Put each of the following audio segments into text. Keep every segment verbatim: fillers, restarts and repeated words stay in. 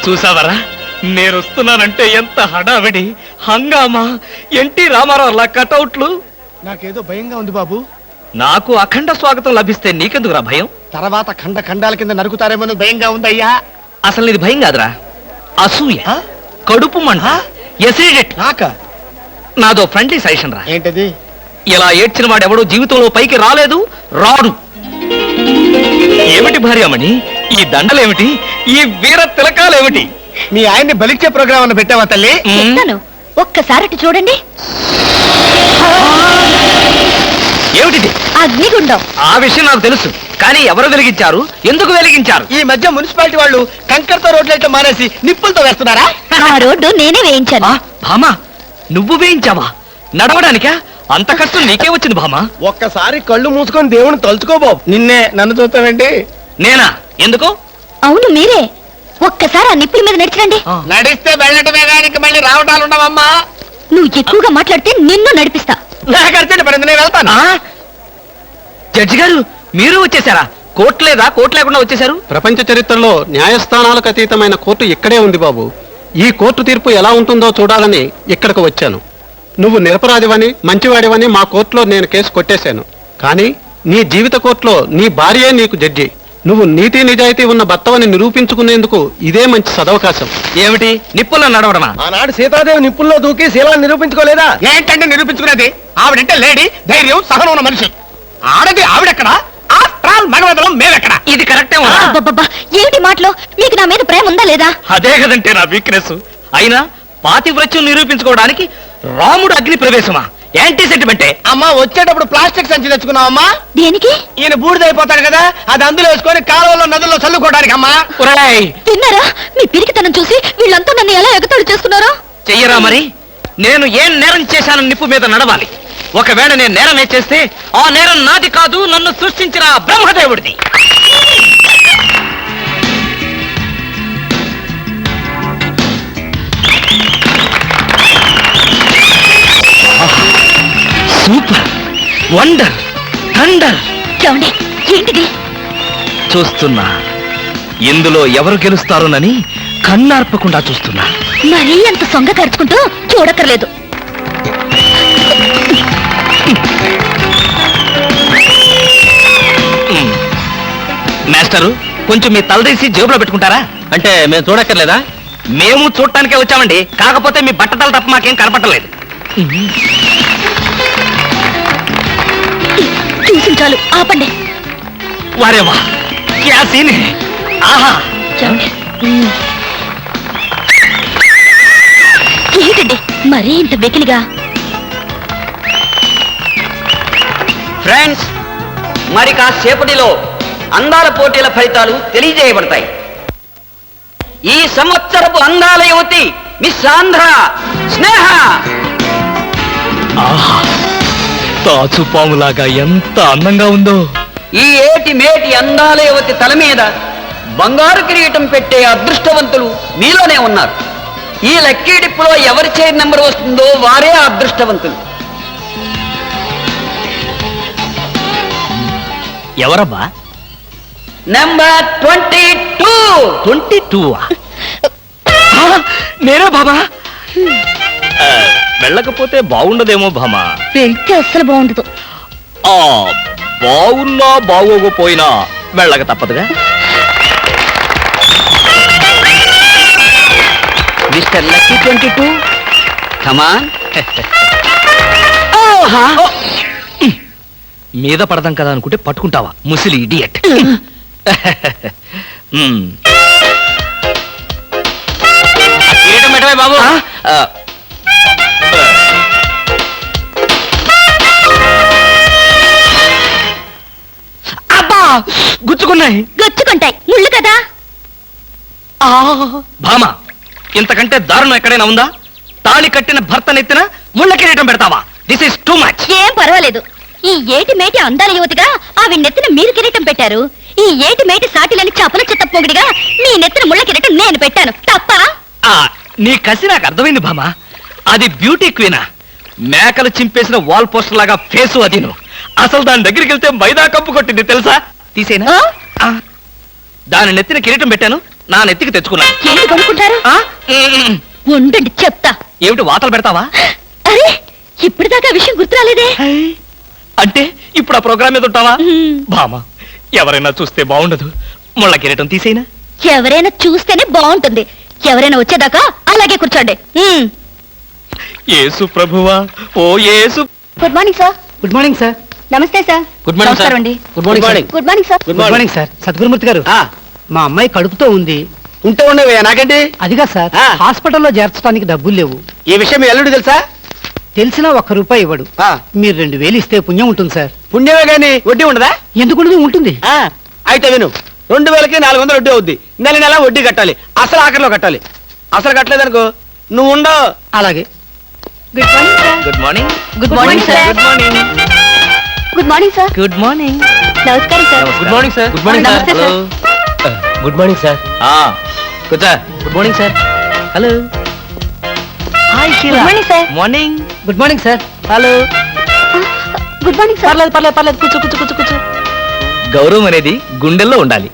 చూసావరా, నేను వస్తున్నానంటే ఎంత హడావిడి, హంగామా, ఎన్టీ రామారావు కటౌట్లు. నాకేదో భయంగా ఉంది బాబు. నాకు అఖండ స్వాగతం లభిస్తే నీకెందుకురా భయం? తర్వాత ఖండ ఖండాల కింద నరుకుతారేమో భయంగా ఉందయ్యా. అసలు నీది భయం కాదురా, అసూయ, కడుపు మంట, ఎసిడిటీ. నాక నాదో ఫ్రెండ్లీ సజెషన్ రా. ఏంటది? ఇలా ఏడ్చిన వాడెవడో జీవితంలో పైకి రాలేదు, రాడు. ఏమిటి భార్యమణి ఈ దండలేమిటి, ఈ వీర తిలకాలేమిటి? మీ ఆయన్ని బలిచ్చే ప్రోగ్రామ్ అన్న పెట్టావా తల్లి? ఒక్కసారి చూడండి. ఏమిటిది? అగ్నిగుండం. ఆ విషయం నాకు తెలుసు, కానీ ఎవరు వెలిగించారు, ఎందుకు వెలిగించారు? ఈ మధ్య మున్సిపాలిటీ వాళ్ళు కంకరతో రోడ్లైతే మానేసి నిప్పులతో వేస్తున్నారా? ఆ రోడ్డు నేనే వేయించాను. భామా, నువ్వు వేయించావా? నడవడానికా? అంత కష్టం నీకే వచ్చింది భామా? ఒక్కసారి కళ్ళు మూసుకొని దేవుని తలుచుకో బాబు. నిన్నే నన్ను చూస్తావేంటి? నేనా? ఎందుకు? అవును మీరే. ఒక్కసారి ఆ నిప్పుల మీద నడిచండి. నడిస్తే వెళ్ళటమే కానీ మళ్ళీ రావటాలు ఉండవమ్మా. నువ్వు ఎక్కువగా మాట్లాడితే నిన్ను నడిపిస్తా. నాకర్చండి పడింది, నేను వెళ్తాను. జడ్జి గారు, మీరు వచ్చేసారా? కోర్టు లేదా? కోర్టు లేకుండా వచ్చేసారు? ప్రపంచ చరిత్రలో న్యాయస్థానాలకు అతీతమైన కోర్టు ఇక్కడే ఉంది బాబు. ఈ కోర్టు తీర్పు ఎలా ఉంటుందో చూడాలని ఇక్కడికి వచ్చాను. నువ్వు నిరపరాధివని, మంచివాడివని మా కోర్టులో నేను కేసు కొట్టేశాను. కానీ నీ జీవిత కోర్టులో నీ భార్యే నీకు జడ్జి. నువ్వు నీతి నిజాయితీ ఉన్న భర్తవని నిరూపించుకునేందుకు ఇదే మంచి సదవకాశం. ఏమిటి, నిప్పుల్లో నడవడమా? ఆనాడు సీతాదేవి నిప్పుల్లో దూకి శీలాన్ని నిరూపించుకోలేదా? ఏంటంటే నిరూపించుకునేది? ఆవిడంటే లేడీ, ధైర్యం, సహనం ఉన్న మనిషి. ఆడది ఆవిడెక్కడ, మగవదలం మేమెక్కడ? ఇది కరెక్టే. ఏమిటి మాటలో? మీకు నా మీద ప్రేమ ఉందా లేదా? అదే కదంటే నా వీక్నెస్. అయినా పాతివ్రత్యం నిరూపించుకోవడానికి రాముడు అగ్ని ప్రవేశమా? యాంటీ సెంటిమెంటే. అమ్మా, వచ్చేటప్పుడు ప్లాస్టిక్ సంచి తెచ్చుకున్నావమ్మా. దేనికి? ఈయన బూడిదైపోతాడు కదా, అది అందులో వేసుకొని కాలువలో నదుల్లో చల్లుకోవడానికి. అమ్మా తిన్నారా? మీ పిరికితనం చూసి వీళ్ళంతా నన్ను ఎలా ఎగతాడు చేస్తున్నారో. చెయ్యరా మరి? నేను ఏం నేరం చేశానని నిప్పు మీద నడవాలి. ఒకవేళ నేను నేరం చేస్తే ఆ నేరం నాది కాదు, నన్ను సృష్టించిన బ్రహ్మదేవుడిది. Super, wonder, thunder. చూడండి, ఏంటిది? చూస్తున్నా, ఇందులో ఎవరు గెలుస్తారోనని కన్నార్పకుండా చూస్తున్నా. మరీ అంత సొంగ ఖర్చుకుంటూ చూడక్కర్లేదు. మాస్టరు, కొంచెం మీ తలదీసి జేబులో పెట్టుకుంటారా? అంటే మేము చూడక్కర్లేదా? మేము చూడటానికే వచ్చామండి, కాకపోతే మీ బట్టతల తప్ప మాకేం కనపట్టలేదు. చూసి చాలు, ఆపండి. వారేవా, క్యా సీన్ హై. ఆహా, ఏంటండి మరీ ఇంత వెకిలిగా? ఫ్రెండ్స్, మరి కాసేపటిలో అందాల పోటీల ఫలితాలు తెలియజేయబడతాయి. ఈ సంవత్సరపు అందాల యువతి మిస్ ఆంధ్ర స్నేహ. ఆహా, తాచుపాములాగా ఎంత అందంగా ఉందో. ఈ ఏటి మేటి అందాల యువతి తల మీద బంగారు కిరీటం పెట్టే అదృష్టవంతులు మీలోనే ఉన్నారు. ఈ లక్కీ డిప్పులో ఎవరి చైర్ నెంబర్ వస్తుందో వారే అదృష్టవంతులు. ఎవరబ్బా? Number twenty two. Twenty two నేనే బాబా. వెళ్ళకపోతే బాగుండదేమో భామా. వెళ్తే అస్సలు బాగుండదు. ఆ బాగున్నా బాగోకపోయినా వెళ్ళక తప్పదుగా. Mister lucky twenty two, come on. మీద పడదాం కదా అనుకుంటే పట్టుకుంటావా, ముసిలి ఇడియట్. కిరీటం పెట్టవే బాబు. అబ్బా, గుచ్చుకున్నాయి. గుచ్చుకుంటాయి, ముళ్ళు కదా. భామా, ఇంతకంటే దారుణం ఎక్కడైనా ఉందా? తాళి కట్టిన భర్త నెత్తిన ముళ్ళ కిరీటం పెడతావా? This is too much. ఏం పర్వాలేదు. ఈ ఏటి మేటి అందాల యువతిగా ఆవి నెత్తిన మీరు కిరీటం పెట్టారు. ఈ ఏటి మేటి సాటిలని చపల చెత్త పొగిడిగా మీ నెత్తిన ముళ్ళ కిరీటం నేను పెట్టాను. తప్ప? నీ కసి నాకు అర్థమైంది భామా. అది బ్యూటీ క్వీనా? మేకలు చింపేసిన వాల్ పోస్టర్ లాగా ఫేసు అది. నువ్వు అసలు దాని దగ్గరికి వెళ్తే మైదా కప్పు కొట్టింది తెలుసా? తీసేనా? దాని నెత్తిన కిరీటం పెట్టాను, నా నెత్తికి తెచ్చుకున్నాను. ఏంటి కొనుక్కుంటారు? ఆ? మ్మ్. ఉండండి చెప్తా. ఏమిటి వాతలు పెడతావా? అరే ఇప్పుడు దాకా విషయం గుర్తురాలేదే. అంటే ఇప్పుడు ఆ ప్రోగ్రామ్ మీద ఉంటావా? మ్మ్. బామా, ఎవరైనా చూస్తే బాగుండదు. ముళ్ళ కిరీటం తీసేనా? ఎవరైనా చూస్తేనే బాగుంటుంది. ఎవరైనా వచ్చేదాకా అలాగే కూర్చోండి. మ్మ్. యేసు ప్రభువా, ఓ Yesu. Good morning sir. Good morning sir. నమస్తే సార్. Good morning sir. నమస్కారం అండి. Good morning morning good morning sir. Good morning sir. Sadgurumurthy గారు, మా అమ్మాయి కడుపుతో ఉంది. ఉంటే ఉండవే నాకండి. అదిగా సార్, ఆ. హాస్పిటల్లో చేర్చడానికి డబ్బులు లేవు. ఈ విషయం మీ అల్లుడు తెలుసా? తెలిసినా ఒక్క రూపాయి ఇవ్వడు. ఆ. మీరు రెండు వేలు ఇస్తే పుణ్యం ఉంటుంది సార్. పుణ్యమే గాని వడ్డీ ఉండదా? ఎందుకు ఉండదు? ఉంటుంది. ఆ, అయితే విను, రెండు వేలకి నాలుగు వందలు వడ్డీ అవుద్ది. నెల నెల వడ్డీ కట్టాలి. అసలు ఆఖరిలో కట్టాలి. అసలు కట్టలేదనుకో నువ్వు ఉండవు. అలాగే. Good morning sir. Good morning. Good morning sir. Good morning. Good morning sir. Good morning. నమస్కారం sir. Good morning sir. Good morning sir. నమస్తే సార్. Good morning sir. కూర్చో. Good morning sir. Hello. Hi good morning sir. Morning. Good morning sir. Hello. Good morning sir. పర్లేదు పర్లేదు పర్లేదు కూర్చో కూర్చో కూర్చో కూర్చో. గౌరవం అనేది గుండెల్లో ఉండాలి.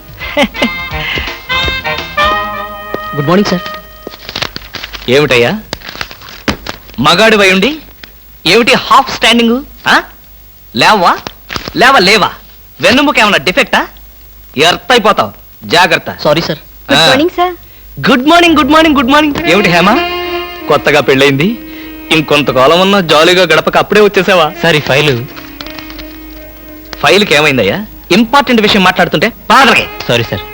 Good morning sir. ఏమిటయ్యా మగాడు వై ఉండి ఏమిటి హాఫ్ స్టాండింగ్? లేవా లేవా లేవా? వెన్నుముక ఏమన్నా డిఫెక్టా? ఎర్త్ అయిపోతావు, జాగ్రత్త. Sorry sir. Good morning sir. Good morning good morning good morning. ఏమిటి హేమ, కొత్తగా పెళ్ళైంది, ఇంకొంతకాలం ఉన్న జాలీగా గడపక అప్పుడే వచ్చేసావా? సరే ఫైలు ఫైల్కి ఏమైందయ్యా? ఇంపార్టెంట్ విషయం మాట్లాడుతుంటే బాధలకే. Sorry sir.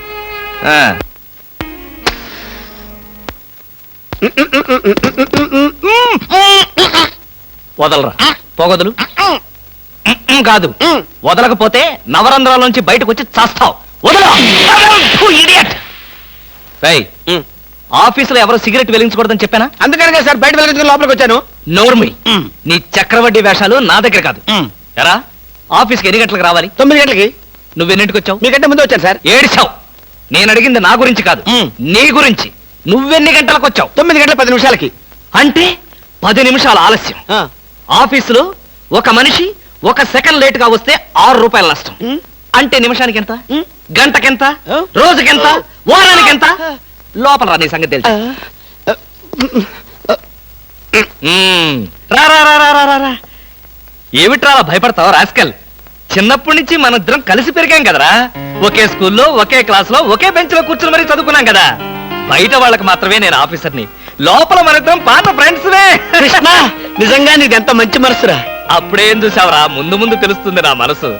వదలరా, పోగొదలు. కాదు, వదలకపోతే నవరంధ్రాల నుంచి బయటకు వచ్చి చస్తావు. వదలరా. ఇడియట్. రేయ్, ఆఫీసులో ఎవరో సిగరెట్ వెలిగించకూడదని చెప్పానా? అందుకనే సార్ బయట వెళ్ళి లోపలికి వచ్చాను. నోర్మి, నీ చక్రవడ్డీ వేషాలు నా దగ్గర కాదు. ఎరా, ఆఫీస్కి ఎన్ని గంటలకు రావాలి? తొమ్మిది గంటలకి. నువ్వెన్నింటికి వచ్చావు? మీకంటే ముందు వచ్చాను సార్. ఏడిచావు. నేను అడిగింది నా గురించి కాదు, నీ గురించి. నువ్వెన్ని గంటలకు వచ్చావు? తొమ్మిది గంటల పది నిమిషాలకి. అంటే పది నిమిషాల ఆలస్యం. ఆ. ఆఫీసులో ఒక మనిషి ఒక సెకండ్ లేట్ గా వస్తే ఆరు రూపాయల నష్టం. ఉం. అంటే నిమిషానికి ఎంత? ఉం. గంటకెంత? ఆ. రోజుకెంత? వారానికి ఎంత? లోపల రా, నీ సంగతి తెలుసు. ఉం. రా రా రా రా రా రా రా. ఏమిట్రా అలా భయపడతావు రాస్కల్? చిన్నప్పటి నుంచి మనిద్దరం కలిసి పెరిగాం కదరా. ఒకే స్కూల్లో ఒకే క్లాస్ లో ఒకే బెంచ్ లో కూర్చుని మరీ చదువుకున్నాం కదా. బయట వాళ్ళకి మాత్రమే నేను ఆఫీసర్ని, లోపల మనిద్దరం పాత ఫ్రెండ్స్. కృష్ణ, నిజంగా నీది ఎంత మంచి మనసురా. అప్పుడేం చూసావురా? ముందు ముందు తెలుస్తుంది నా మనసు.